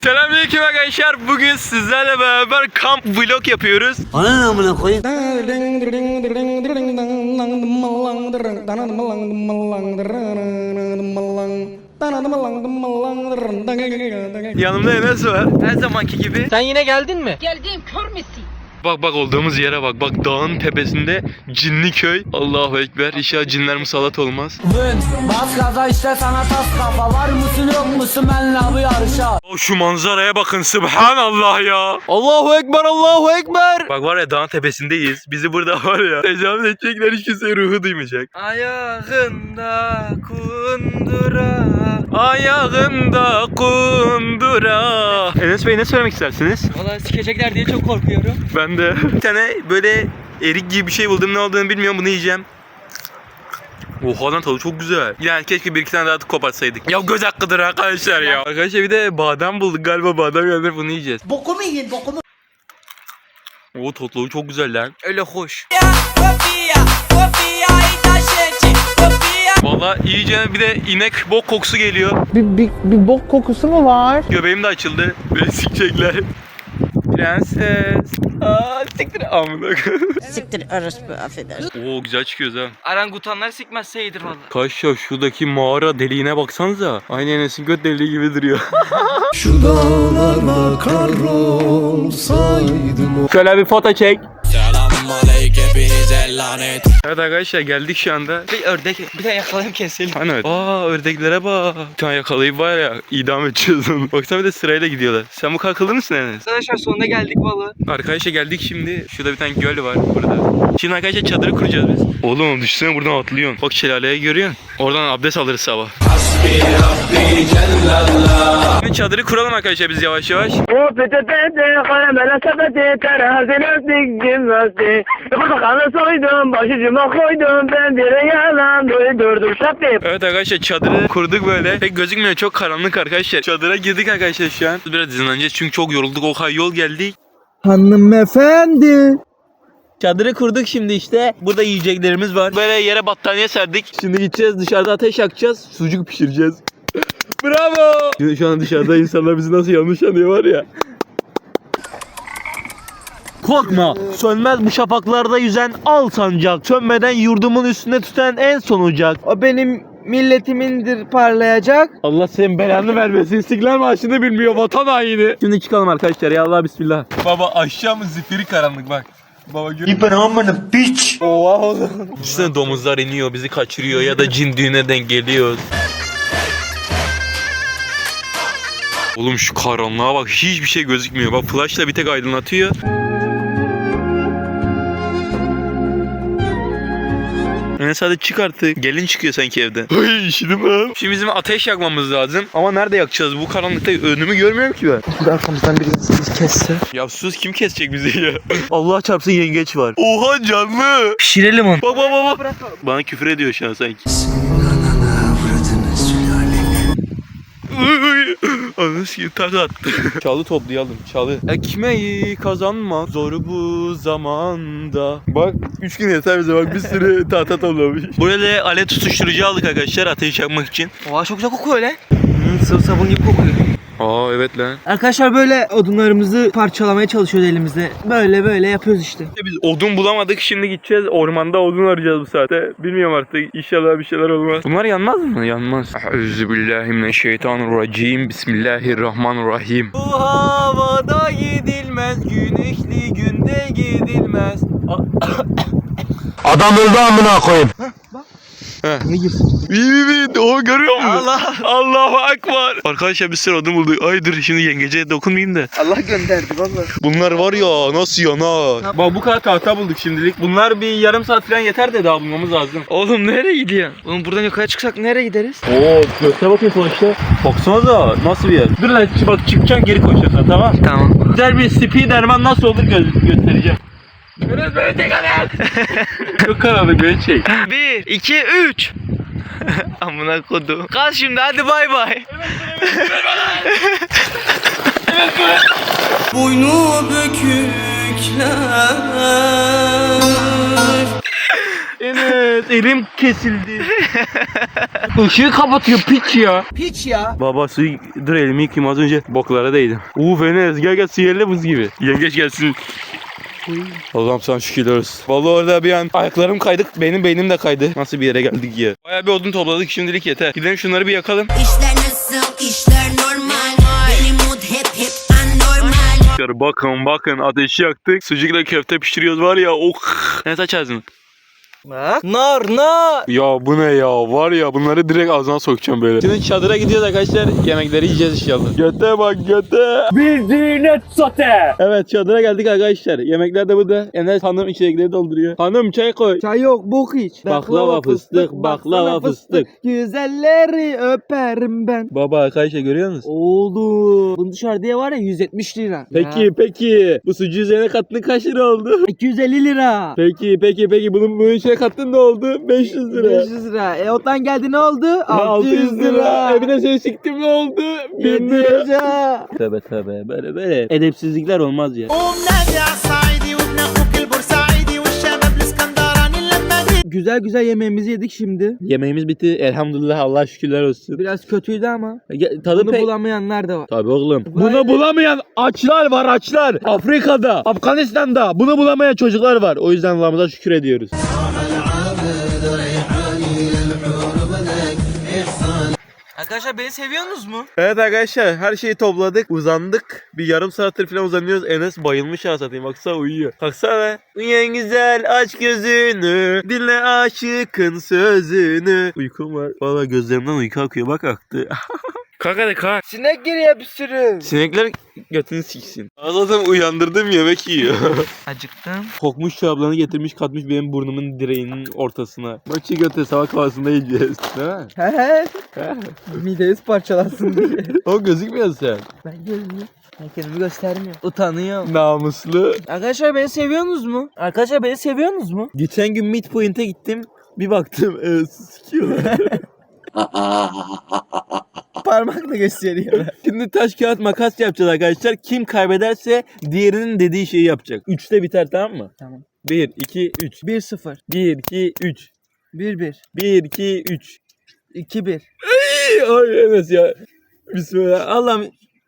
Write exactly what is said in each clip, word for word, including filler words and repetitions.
Selamünaleyküm arkadaşlar. Bugün sizlerle beraber kamp vlog yapıyoruz. Ananı amına koyayım. Yanımda Enes var. Her zamanki gibi. Sen yine geldin mi? Geldim, kör müsün? Bak bak olduğumuz yere bak. Bak dağın tepesinde cinli köy. Allahu Ekber. İnşallah cinler musallat olmaz. Bas gaza işte sana tas kafa. Var mısın yok musun benle bu yarışa? O şu manzaraya bakın. Subhanallah ya. Allahu Ekber, Allahu Ekber. Bak var ya dağın tepesindeyiz. Bizi burada var ya tecavüz edecekler, hiç kimse ruhu duymayacak. Ayağında kundura. Ayağında kundura. Enes Bey ne söylemek istersiniz? Valla sikecekler diye çok korkuyorum. Ben de. Bir tane böyle erik gibi bir şey buldum. Ne olduğunu bilmiyorum. Bunu yiyeceğim. Oha lan tadı çok güzel. Yani keşke bir iki tane daha kopartsaydık. Ya göz hakkıdır arkadaşlar ya. Arkadaşlar bir de badem bulduk galiba. Badem yanında bunu yiyeceğiz. Bokumu yiyin bokumu. O totluğu çok güzel lan. Öyle hoş. Valla iyice bir de inek bok kokusu geliyor. Bir, bir, bir bok kokusu mu var? Göbeğim de açıldı. Beni sikecekler. Prenses. Aa siktir amına. Siktir orospu, affedersin. Oo güzel çıkıyoruz ha. Arangutanlar sikmezse iyidir valla. Kaşya şuradaki mağara deliğine baksanıza. Aynı Enes'in göt deliği gibi duruyor. Şu dağlarda kar olsaydım. Şöyle bir foto çek. Selamünaleyküm hepinize lanet. Evet arkadaşlar geldik şu anda. Bir ördek bir de yakalayıp keselim. Hani evet. Aa ördeklere bak. Bir tane yakalayıp var ya idam edeceğiz onu. Baksana bir de sırayla gidiyorlar. Sen bu kalkılır mısın Enes? Arkadaşlar sonuna geldik valla. Arkadaşlar geldik şimdi. Şurada bir tane göl var burada. Şimdi arkadaşlar çadırı kuracağız biz. Oğlum düşünsene buradan atlıyorsun. Bak şelaleyi görüyorsun. Oradan abdest alırız sabah. Şimdi çadırı kuralım arkadaşlar biz yavaş yavaş. Evet arkadaşlar çadırı kurduk böyle. Pek gözükmüyor, çok karanlık arkadaşlar. Çadıra girdik arkadaşlar şu an. Biraz dinleneceğiz çünkü çok yorulduk, o kadar yol geldik. Hanımefendi. Çadırı kurduk şimdi işte. Burada yiyeceklerimiz var. Böyle yere battaniye serdik. Şimdi gideceğiz dışarıda ateş yakacağız. Sucuk pişireceğiz. Bravo. Şimdi şu an dışarıda insanlar bizi nasıl yanlış anlıyor var ya. Korkma, sönmez bu şafaklarda yüzen al sancak. Sönmeden yurdumun üstünde tüten en son ocak. O benim milletimindir parlayacak. Allah senin belanı vermesin. İstiklal Marşı'nı bilmiyor, vatan haini. Şimdi çıkalım arkadaşlar ya, Allah bismillah. Baba aşağı mı zifiri karanlık bak. Baba gör. İpen amına piç. Oha oğlum. Düşünsene domuzlar iniyor, bizi kaçırıyor ya da cin düğüne denk geliyor. Oğlum şu karanlığa bak, hiçbir şey gözükmüyor. Bak flashla bir tek aydınlatıyor. Yani sadece çık artık. Gelin çıkıyor sanki evden. Ay işidim ben. Şimdi bizim ateş yakmamız lazım. Ama nerede yakacağız? Bu karanlıkta önümü görmüyorum ki ben. Burada arkamızdan biri bizi kesse. Ya sus, kim kesecek bizi ya? Allah çarpsın yengeç var. Oha canlı. Pişirelim onu. Bak bak bak bak. Bana küfür ediyor şu an sanki. Anı sikeyim, tak attı. Çalı toplayalım, çalı. Ekmeği kazanmak zor bu zamanda. Bak üç gün yeter bize, bak bir sürü tahta toplamış. Buraya alet tutuşturucu aldık arkadaşlar ateş yakmak için. Oha çok güzel kokuyor lan. Hmm, sıvı sabun gibi kokuyor. Aa evet lan. Arkadaşlar böyle odunlarımızı parçalamaya çalışıyoruz elimizde. Böyle böyle yapıyoruz işte. Biz odun bulamadık, şimdi gideceğiz ormanda odun arayacağız bu saatte. Bilmiyorum artık, inşallah bir şeyler olmaz. Bunlar yanmaz mı? Yanmaz. Euzubillahimineşşeytanirracim. Bismillahirrahmanirrahim. Bu havada gidilmez, güneşli günde gidilmez. Adam öldü amına koyayım. Ne girsin? İyi mi? O görüyor musun? Allah. Allahu Ekber. Arkadaşlar bir sürü odun bulduk. Ay dur şimdi yengece dokunmayayım da. Allah gönderdi valla. Bunlar var ya nasıl yanar. Bak bu kadar tahta bulduk şimdilik. Bunlar bir yarım saat falan yeter de daha bulmamız lazım. Oğlum nereye gidiyorsun? Oğlum buradan yukarı çıksak nereye gideriz? Oo göster bakayım sonuçta. Baksana da nasıl bir yer. Dur lan bak çıkacaksın geri koşacaksın, tamam. Tamam. Güzel bir Spiderman nasıl olur gö- göstereceğim. Biraz böyle tek adam. Çok karanlık, böyle çek. Bir, iki, üç. Amına kodum. Kal şimdi hadi bay bay. Boynu bükükler. Enes, elim kesildi. Işığı kapatıyor piç ya. Piç ya. Baba suyu dur elimi yıkayayım az önce boklara değdim. Uf Enes gel gel sihirli buz gibi. Yengeç gelsin. Allah'ım sana şükürler olsun. Vallahi orada bir an ayaklarım kaydık, benim beynim de kaydı. Nasıl bir yere geldik ya. Bayağı bir odun topladık, şimdilik yeter. Gidelim şunları bir yakalım. İşler nasıl, işler normal. Benim mood hep hep anormal. Bakın bakın ateşi yaktık. Sucukla köfte pişiriyoruz var ya. Oh. Ne aç ağzını. Bak. Nar nar. Ya bu ne ya, var ya bunları direkt ağzına sokacağım böyle. Şimdi çadıra gidiyoruz arkadaşlar, yemekleri yiyeceğiz inşallah. Göte bak göte. Bildiğine sote. Evet çadıra geldik arkadaşlar. Yemekler de burada. Enes hanım içecekleri dolduruyor. Hanım çay koy. Çay yok bok iç. Baklava fıstık, baklava fıstık. Güzelleri öperim ben. Baba arkadaşlar görüyor musun? Oğlum. Bunu dışarıda var ya yüz yetmiş lira. Peki peki bu sucuğu üzerine kattın kaç lira oldu? iki yüz elli lira. Peki peki peki bunun bunun içine kattın ne oldu? beş yüz lira. beş yüz lira. E otan geldi ne oldu? altı yüz lira. E bir de seni siktim ne oldu? bin yedi yüz lira. lira. Tövbe tövbe böyle böyle edepsizlikler olmaz ya. Güzel güzel yemeğimizi yedik şimdi. Yemeğimiz bitti elhamdülillah, Allah şükürler olsun. Biraz kötüydü ama. Ge- Tadı Bunu pek... bulamayanlar da var. Tabii oğlum. Bunu bulamayan açlar var açlar. Afrika'da, Afganistan'da bunu bulamayan çocuklar var. O yüzden Allah'ımıza şükür ediyoruz. Arkadaşlar beni seviyorsunuz mu? Evet arkadaşlar her şeyi topladık, uzandık. Bir yarım saattir falan uzanıyoruz. Enes bayılmış ya satayım, baksana uyuyor. Baksana. Uyan güzel aç gözünü, dinle aşıkın sözünü. Uykum var. Valla gözlerimden uyku akıyor, bak aktı. Kalk hadi kalk. Sinek giriyor bir sürü. Sinekler götünü siksin. Zaten uyandırdım yemek yiyor. Acıktım. Kokmuş çoraplarını getirmiş katmış benim burnumun direğinin ortasına. Maçı götür sabah kahvaltısında yiyeceğiz. Değil mi? He he. Mideniz parçalansın diye. O gözükmüyor sen. Ben gözümü. Ben kendimi göstermiyorum. Utanıyorum. Namuslu. Arkadaşlar beni seviyorsunuz mu? Arkadaşlar beni seviyorsunuz mu? Geçen gün midpoint'e gittim. Bir baktım e, sikiyorlar. Parmakla gösteriyor. Şimdi taş kağıt makas yapacağız arkadaşlar. Kim kaybederse diğerinin dediği şeyi yapacak. Üçte biter, tamam mı? Tamam. bir, iki, üç. bir sıfır. bir, iki, üç. bir bir. bir, iki, üç. iki bir. Ay Enes ya. Bismillah. Allah'ım.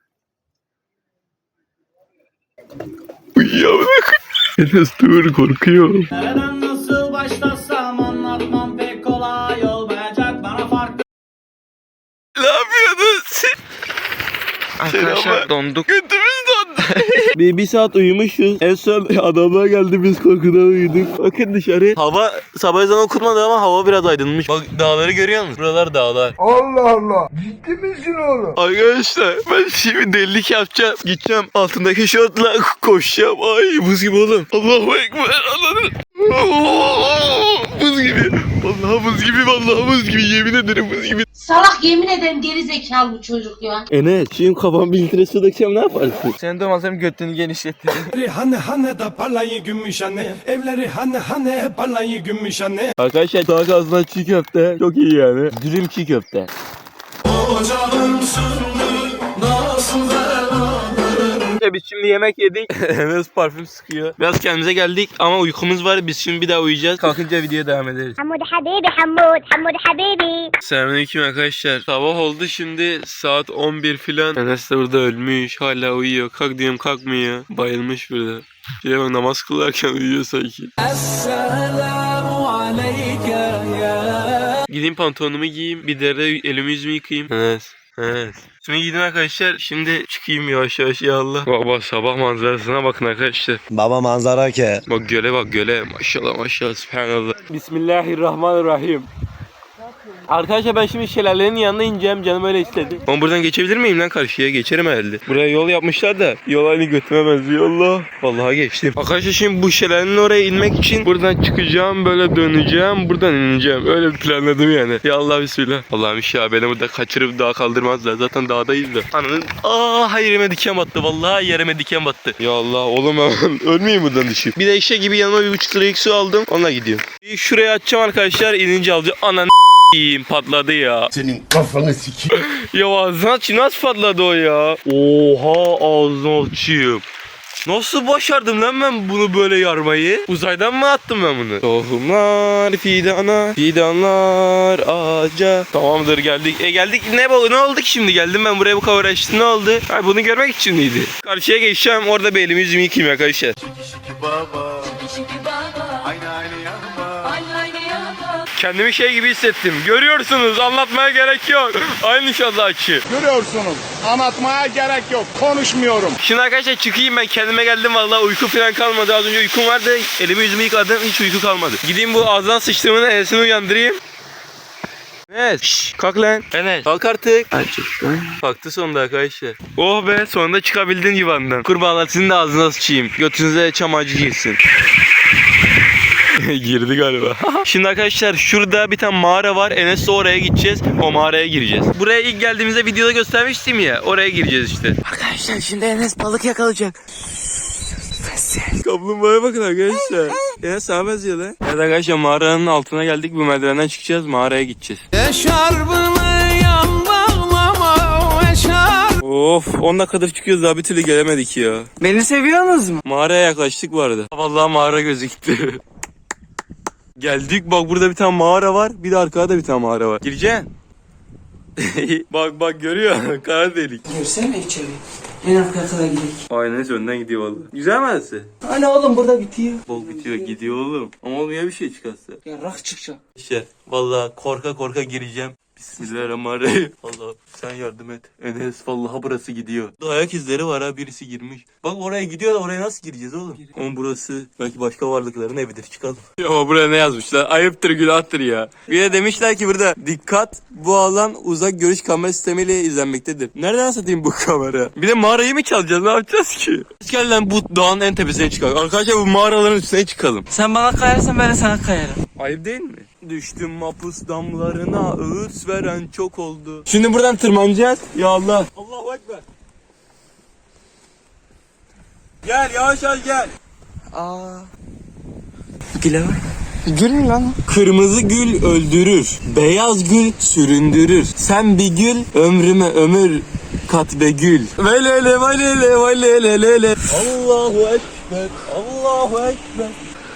Uyuyamadım. Enes dur, korkuyorum. Nereden nasıl başlasam anlatmam pek kolay olmayacak bana farklı. Ne yapıyorsunuz? Arkadaşlar donduk. Götümüz dondu. bir, bir saat uyumuşuz. En son adamlar geldi, biz korkudan uyuduk. Bakın dışarı. Hava sabah ezanı okunmadı ama hava biraz aydınmış. Bak dağları görüyor musun? Buralar dağlar. Allah Allah. Ciddi misin oğlum? Arkadaşlar ben şimdi delilik yapacağım. Gideceğim altındaki şortla koşacağım. Ay buz gibi oğlum. Allahu Ekber. Anladın. Buz gibi. Vallahi buz gibi, vallahi buz gibi. Yemin ederim buz gibi. Salak yemin ederim geri zekalı bu çocuk ya. Enes şimdi kafam bir litre su dökeceğim, ne yaparsın? Senin dolmazlarım götünü genişletti. Evleri hani hani da parlayı gümüş anne. Evleri hani hani parlayı gümüş anne. Arkadaşlar tavuk ağzından çiğ köfte. Çok iyi yani. Dürüm çiğ köfte. Ocağın söndü nasıl Biz şimdi yemek yedik. Enes parfüm sıkıyor. Biraz kendimize geldik ama uykumuz var. Biz şimdi bir daha uyuyacağız. Kalkınca videoya devam ederiz. حمود حبيبي حمود حمود حبيبي Selamünaleyküm arkadaşlar. Sabah oldu şimdi saat on bir filan. Enes de burada ölmüş. Hala uyuyor. Kalk diyorum kalkmıyor. Bayılmış burada. Şöyle bak, namaz kılarken uyuyor sanki. Esselamu aleyke ya. Gideyim pantolonumu giyeyim. Bir de elimi yüzümü yıkayayım. Enes. Evet. Şimdi gidin arkadaşlar. Şimdi çıkayım yavaş yavaş ya Allah. Bak bak sabah manzarasına bakın arkadaşlar. Baba manzara ke. Bak göle bak göle. Maşallah maşallah. Subhanallah. Bismillahirrahmanirrahim. Arkadaşlar ben şimdi şelalenin yanına ineceğim, canım öyle istedi. Ben buradan geçebilir miyim lan karşıya? Geçerim herhalde. Buraya yol yapmışlar da yol aynı götüme benziyor Allah. Vallahi geçtim. Arkadaşlar şimdi bu şelalenin oraya inmek için buradan çıkacağım, böyle döneceğim, buradan ineceğim. Öyle planladım yani. Ya Allah bismillah. Allah'ım inşallah beni burada kaçırıp dağa kaldırmazlar. Zaten dağdayız da. Ananın aa yerime diken battı. Vallahi yerime diken battı. Ya Allah oğlum ben ölmeyeyim buradan düşüp. Bir de eşek gibi yanıma bir buçuk liralık su aldım. Onunla gidiyorum. Şuraya atacağım arkadaşlar. İnince alacağım. Anan patladı ya. Senin kafanı sikeyim. Ya ağzına açayım, nasıl patladı o ya? Oha ağzına açayım. Nasıl başardım lan ben bunu böyle yarmayı? Uzaydan mı attım ben bunu? Tohumlar fidana, fidanlar ağaca. Tamamdır geldik. E geldik ne bu? Ne oldu ki şimdi? Geldim ben buraya bu kadar uğraştım. Ne oldu? Ha, bunu görmek için miydi? Karşıya geçeceğim. Orada bir elimi yüzümü yıkayayım arkadaşlar. Kendimi şey gibi hissettim. Görüyorsunuz, anlatmaya gerek yok. Aynı şazakçı. Görüyorsunuz. Anlatmaya gerek yok. Konuşmuyorum. Şimdi arkadaşlar çıkayım, ben kendime geldim vallahi, uyku falan kalmadı. Az önce uykum vardı. Elimi yüzümü yıkadım, hiç uyku kalmadı. Gideyim bu ağzından sıçtığımın enesini uyandırayım. Evet. Şşş, kalk lan. Enes. Kalk artık. Kalktı sonunda arkadaşlar. Oh be, sonunda çıkabildin divandan. Kurbağalar sizin de ağzına sıçayım. Götünüze çam ağacı girsin. Girdi galiba. Şimdi arkadaşlar şurada bir tane mağara var. Enes'le oraya gideceğiz. O mağaraya gireceğiz. Buraya ilk geldiğimizde videoda göstermiştim ya. Oraya gireceğiz işte. Arkadaşlar şimdi Enes balık yakalayacak. Kaplumbağaya bakın arkadaşlar. Enes sana benziyor lan. Evet arkadaşlar, mağaranın altına geldik. Bu merdivenden çıkacağız. Mağaraya gideceğiz. Of, on dakikadır çıkıyoruz, daha bir türlü gelemedik ya. Beni seviyorsunuz mu? Mağaraya yaklaştık bu arada. Vallahi mağara gözüktü. Geldik, bak burada bir tane mağara var. Bir de arkada da bir tane mağara var. Gireceksin. Bak bak, görüyor. Kara delik. Girsene içeri. En arka kadar gidelim. Aynen, önden gidiyor vallahi. Güzel mi arası? Hani oğlum burada bitiyor. Bol bitiyor, gidiyor oğlum. Ama olmuyor bir şey çıkarsa. Ya rak çıkacak. İşte vallahi korka korka gireceğim. Bismillahirrahmanirrahim. Allah sen yardım et. Enes vallahi burası gidiyor. Ayak izleri var ha, birisi girmiş. Bak oraya gidiyor da oraya nasıl gireceğiz oğlum? Ama burası belki başka varlıkların evidir, çıkalım. Ya ama buraya ne yazmışlar? Ayıptır günahtır ya. Bir de demişler ki burada dikkat, bu alan uzak görüş kamera sistemiyle izlenmektedir. Nereden satayım bu kamera? Bir de mağarayı mı çalacağız, ne yapacağız ki? Gel lan bu dağın en tepesine çıkalım. Arkadaşlar bu mağaraların üstüne çıkalım. Sen bana kayarsan ben de sana kayarım. Ayıp değil mi? Düştüm mapus damlarına, öğüt veren çok oldu. Şimdi buradan tırmanacağız. Ya Allah. Allahu Ekber. Gel yavaş yavaş gel. Aa. Güle bak. Gül mü lan? Kırmızı gül öldürür, beyaz gül süründürür. Sen bir gül, ömrüme ömür kat be gül. Velele velele velele lele. Allahu Ekber, Allahu Ekber.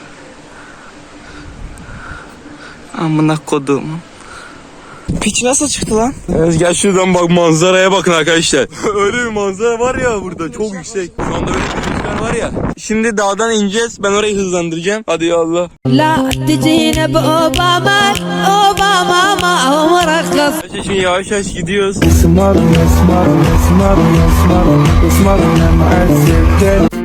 Amına kodum. Piç nasıl çıktı lan? Evet, gel şuradan bak, manzaraya bakın arkadaşlar. Öyle bir manzara var ya burada, çok yüksek. Şu anda öyle bir rüzgar var ya. Şimdi dağdan ineceğiz, ben orayı hızlandıracağım. Hadi ya Allah. لا تجينا بأوباما أوباما ما عمرك قص Arkadaşlar şimdi yavaş yavaş gidiyoruz.